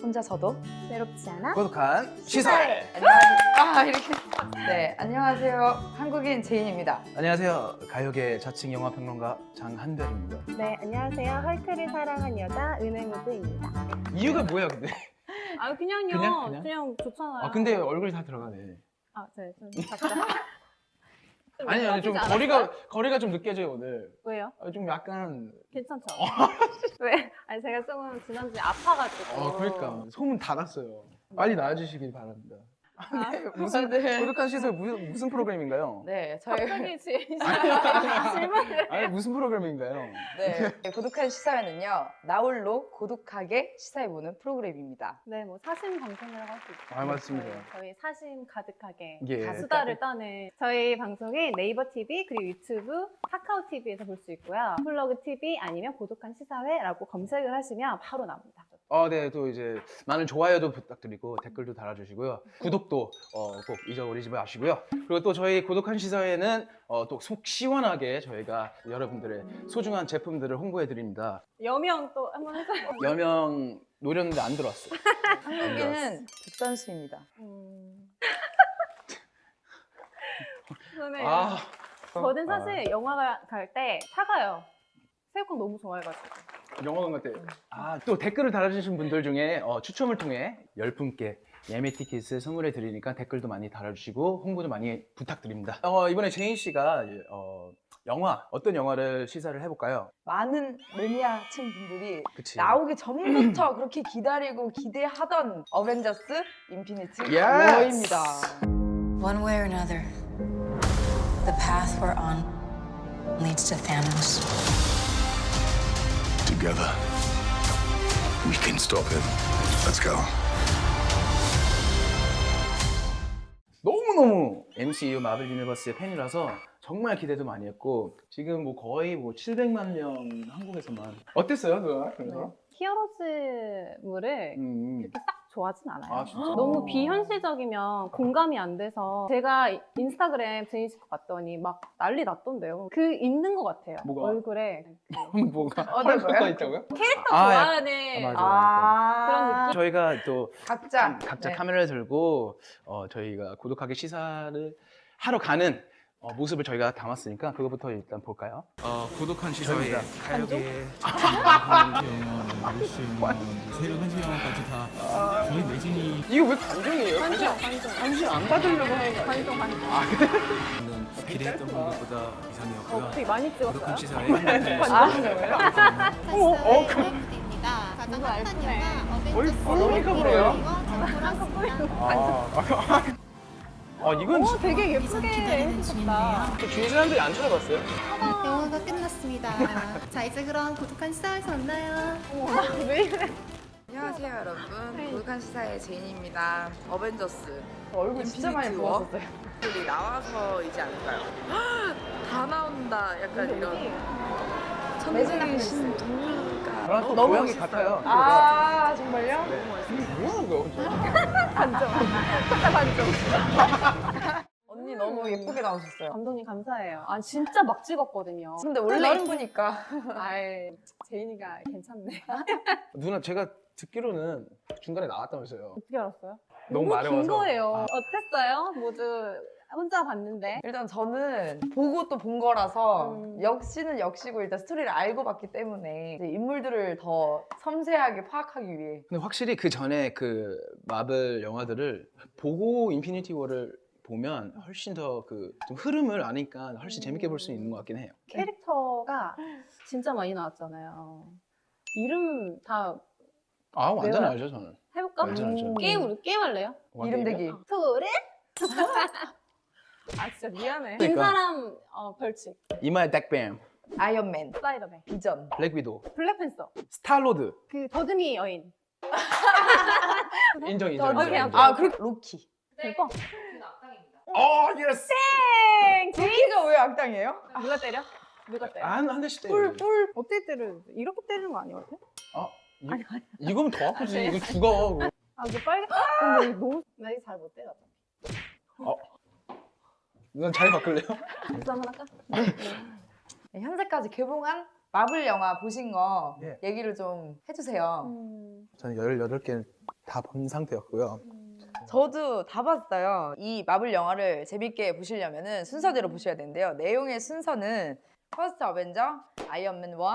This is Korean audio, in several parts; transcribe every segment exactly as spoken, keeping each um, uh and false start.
혼자서도 외롭지 않아? 고독한 시사회. 안녕하세요. 아, 이렇게. 네, 안녕하세요. 한국인 제인입니다. 안녕하세요. 가요계 자칭 영화 평론가 장한별입니다. 네, 안녕하세요. 헐크를 사랑한 여자 은행우드입니다. 이유가 뭐야 근데? 아 그냥요. 그냥? 그냥, 그냥? 좋잖아요. 아 근데 얼굴이 다 들어가네. 아, 네, 좀 작다. 좀 아니 아니 좀 예뻐지지 거리가 않았어요? 거리가 좀 느껴져요 오늘. 왜요? 아, 좀 약간. 괜찮죠? 왜? 아니 제가 조금 지난주에 아파가지고. 어 그러니까 소문 다 났어요. 빨리 나와주시길 바랍니다. 아, 무슨 네. 고독한 시사회 무슨 무슨 프로그램인가요? 네, 저희 갑자기 지- 질문을. 아니 무슨 프로그램인가요? 네, 고독한 시사회는요. 나홀로 고독하게 시사해보는 프로그램입니다. 네, 뭐 사심 방송이라고 할 수 있죠. 아, 맞습니다. 저희, 저희 사심 가득하게 예. 다 수다를 떠는 저희 방송이 네이버 티비 그리고 유튜브, 카카오 티비에서 볼 수 있고요. 플러그 티비 아니면 고독한 시사회라고 검색을 하시면 바로 나옵니다. 어, 네, 또 이제 많은 좋아요도 부탁드리고 댓글도 달아주시고요. 구독도 어, 꼭 잊어버리지 마시고요. 그리고 또 저희 고독한 시사회는 어, 또 속 시원하게 저희가 여러분들의 소중한 제품들을 홍보해 드립니다. 여명 또 한번 해줘요. 여명 노렸는데 안 들어왔어요. 한국인은 국산수입니다. 음. 저는 아, 저는 사실 영화 갈 때 사가요. 새우깡 너무 좋아해가지고. 영화관 같아. 아, 또 댓글을 달아주신 분들 중에 어, 추첨을 통해 열 분께 예매 티켓을 선물해 드리니까 댓글도 많이 달아주시고 홍보도 많이 부탁드립니다. 어, 이번에 제인 씨가 어, 영화 어떤 영화를 시사를 해볼까요? 많은 매니아층 분들이 그치. 나오기 전부터 그렇게 기다리고 기대하던 어벤져스 인피니티 Yes! 워입니다. One way or another, the path we're on leads to Thanos. Together, we can stop him. Let's go. 너무너무 엠씨유 마블 유니버스의 팬이라서 정말 기대도 많이 했고 지금 뭐 거의 뭐 칠백만 명 한국에서만 어땠어요 누나? 그래서? 히어로즈물을 음, 그렇게 싹 좋아하진 않아요. 아, 진짜? 너무 비현실적이면 공감이 안 돼서 제가 인스타그램 제인 씨 거 봤더니 막 난리 났던데요. 그 있는 것 같아요. 뭐가? 얼굴에 뭐가 어떤 헐크가 거요? 있다고요? 캐릭터 아, 좋아하는 아, 맞아. 아, 그런 느낌? 저희가 또 각자 각자 네. 카메라를 들고 어, 저희가 고독하게 시사를 하러 가는 어, 모습을 저희가 담았으니까 그거부터 일단 볼까요? 어, 고독한 시사회 가요계 새벽 한 시 영화까지 다 저희 매진이 이거 왜 관종이에요? 관종, 관종. 관심 안 받으려고 하는 거 아니에요? 관종, 관종. 저는 기대했던 것보다 이상이었고요. 어, 되게 많이 고독한 찍었어요. 시사회 아, 어, 어, 그- 입니다. 가장 누가 핫한 알프네. 영화 어이, 어벤져스 어머니가 그래요? 인피니티 아, 아, 이건 오, 되게 예쁘게 해주셨다. 주위 사람들이 안 찾아봤어요? 영화가 끝났습니다. 자 이제 그럼 고독한 시사회에서 만나요. 어머, 왜 이래? 안녕하세요 여러분. 고독한 시사의 제인입니다. 어벤져스 얼굴 진짜 많이 인피니티 워? 부었었어요. 들이 나와서이지 않을까요? 다 나온다. 약간 이런 천국의 신 동료가 저랑 또 너무 고양이 멋있어요. 같아요. 아 정말요? 뭐 하는 거야 혼자? 반점. 진짜 반점. 언니 너무 예쁘게 나오셨어요. 감독님 감사해요. 아 진짜 막 찍었거든요. 근데 원래 예쁘니까. 아이 제인이가 괜찮네. 누나 제가 듣기로는 중간에 나왔다면서요. 어떻게 알았어요? 너무 긴 마려워서. 거예요. 아. 어땠어요? 모두 혼자 봤는데. 일단 저는 보고 또 본 거라서 음. 역시는 역시고 일단 스토리를 알고 봤기 때문에 이제 인물들을 더 섬세하게 파악하기 위해 근데 확실히 그 전에 그 마블 영화들을 보고 인피니티 워를 보면 훨씬 더 그 좀 흐름을 아니까 훨씬 재밌게 볼 수 있는 것 같긴 해요. 캐릭터가 진짜 많이 나왔잖아요. 이름 다 아 완전 내가- 알죠 저는. 해볼까? 완전 알죠. 게임 게임 할래요? 이름 대기. 소리? 아 진짜 미안해. 긴 그러니까. 사람 어, 벌칙. 이마에 덱뱀, 아이언맨, 스파이더맨. 비전, 블랙 위도우, 블랙팬서. 스타로드 그 더듬이 여인. 인정 인정. 오케이, 인정, 오케이. 인정. 아 그리고 로키. 대박. 어 예스. 땡! 로키가 왜 악당이에요? 누가 때려? 누가 때려? 한한 대씩 때려. 뿔 뿔. 어떻게 때려? 이렇게 때리는 거 아니거든? 이, 이거면 더 아프지. 아, 네. 이거 죽어. 아, 너 빨개. 근데 이거 너무 나 이거 잘 못 때려. 넌 잘 바꿀래요? 박수 한번 할까? 네, 현재까지 개봉한 마블 영화 보신 거 예. 얘기를 좀 해주세요. 음. 저는 열여덟 개 다 본 상태였고요. 저도 다 봤어요. 이 마블 영화를 재밌게 보시려면 순서대로 보셔야 되는데요. 내용의 순서는 퍼스트 어벤져, 아이언맨 일,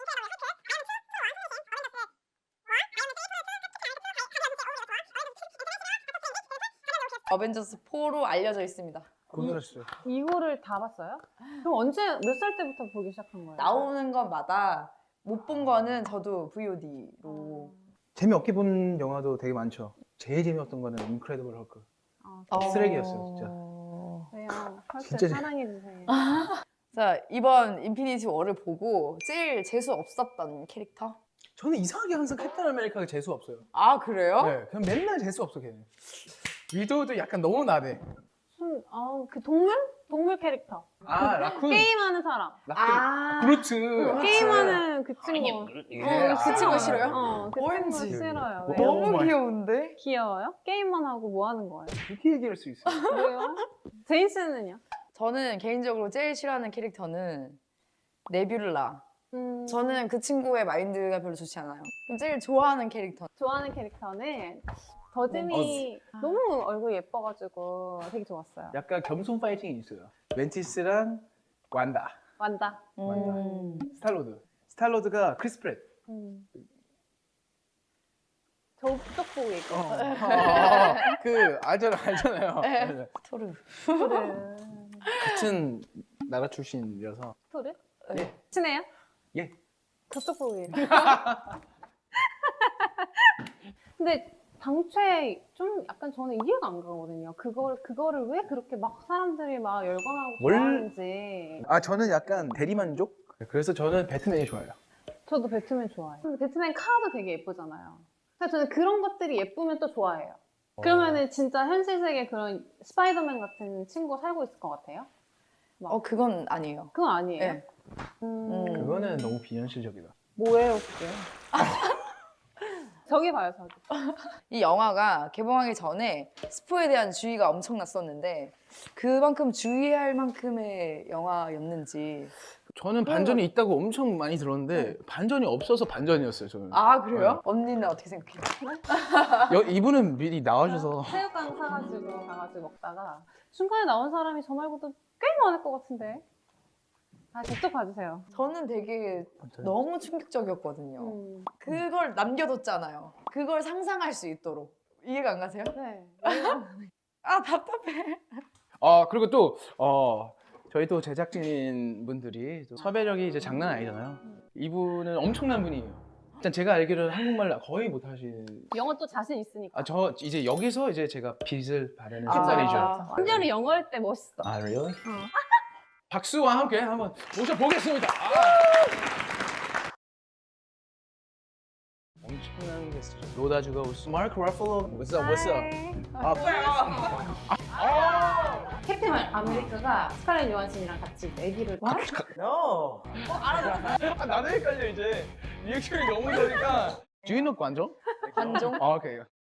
어벤져스 사로 알려져 있습니다. 고생하셨어요. 이거를 다 봤어요? 그럼 언제 몇 살 때부터 보기 시작한 거예요? 나오는 것마다 못 본 거는 저도 브이오디로. 재미없게 본 영화도 되게 많죠. 제일 재미없던 거는 인크레디블 헐크. 아, 쓰레기였어요, 진짜. 왜요? 헐크 진짜 사랑해 주세요. 자, 이번 인피니티 워를 보고 제일 재수 없었던 캐릭터? 저는 이상하게 항상 캡틴 아메리카가 재수 없어요. 아, 그래요? 네, 그냥 맨날 재수 없어 걔는. 위도우도 약간 너무 나대. 음, 아, 그 동물? 동물 캐릭터. 아 라쿤. 게임하는 사람. 라쿤. 아, 그렇지. 게임하는 그 친구. 예. 어, 그 친구 싫어요? 어, 그 오렌지. 친구 싫어요. 뭐, 왜요? 어. 너무 마이. 귀여운데? 귀여워요? 게임만 하고 뭐 하는 거예요? 이렇게 얘기할 수 있어요. 왜요? 제인 씨는요? 저는 개인적으로 제일 싫어하는 캐릭터는 네뷸라. 음, 저는 그 친구의 마인드가 별로 좋지 않아요. 그럼 제일 좋아하는 캐릭터. 좋아하는 캐릭터는 더즈미 너무 얼굴 예뻐가지고 되게 좋았어요. 약간 겸손 파이팅이 있어요. 멘티스랑 완다. 완다. 음. 스탈로드. 스탈로드가 크리스 프렛. 음. 저쪽 보고 얘기해. 어, 어, 그 알잖아, 알잖아요. 네. 토르. 토르. 같은 나라 출신이라서. 토르? 네. 친해요? 예. 저쪽 보고 얘기해. 근데 당최 좀 약간 저는 이해가 안 가거든요. 그걸 그거를 왜 그렇게 막 사람들이 막 열광하고 뭘- 좋아하는지. 아 저는 약간 대리만족. 그래서 저는 배트맨이 좋아요. 저도 배트맨 좋아해요. 근데 배트맨 카도 되게 예쁘잖아요. 그래서 저는 그런 것들이 예쁘면 또 좋아해요. 그러면은 진짜 현실 세계 그런 스파이더맨 같은 친구가 살고 있을 것 같아요? 어, 그건 아니에요. 그건 아니에요. 네. 음, 음. 그거는 너무 비현실적이다. 뭐예요, 그게? 저기 봐요, 저기. 이 영화가 개봉하기 전에 스포에 대한 주의가 엄청났었는데 그만큼 주의할 만큼의 영화였는지. 저는 반전이 있다고 엄청 많이 들었는데 반전이 없어서 반전이었어요. 저는. 아, 그래요? 언니는 어떻게 생각해요? 여, 이분은 미리 나와주셔서 새우깡 사가지고 가가지고 먹다가 중간에 나온 사람이 저 말고도 꽤 많을 것 같은데. 아, 저쪽 봐주세요. 저는 되게 너무 충격적이었거든요. 음. 그걸 남겨뒀잖아요. 그걸 상상할 수 있도록. 이해가 안 가세요? 네. 아, 답답해. 아 그리고 또 어, 저희 또 제작진 분들이 또 섭외력이 이제 장난 아니잖아요. 이분은 엄청난 분이에요. 일단 제가 알기로는 한국말 거의 못하시는. 영어 또 자신 있으니까. 아 저 이제 여기서 이제 제가 빚을 바라는 아, 순간이죠. 맞아. 심지어는 영어 할 때 멋있어. 아 really? 어. 박수와 함께 한번 모셔보겠습니다. 아! 엄청난 게스트죠. 로다주가 오스. 마크 러플로. What's up? What's up? 아, 아, 캡틴 아메리카가 스칼렛 요한슨이랑 같이 아기를 no. 아, 나도 헷갈려 이제. 리액션이 너무 좋으니까. Do you know 관종? 관종? 아, 오케이.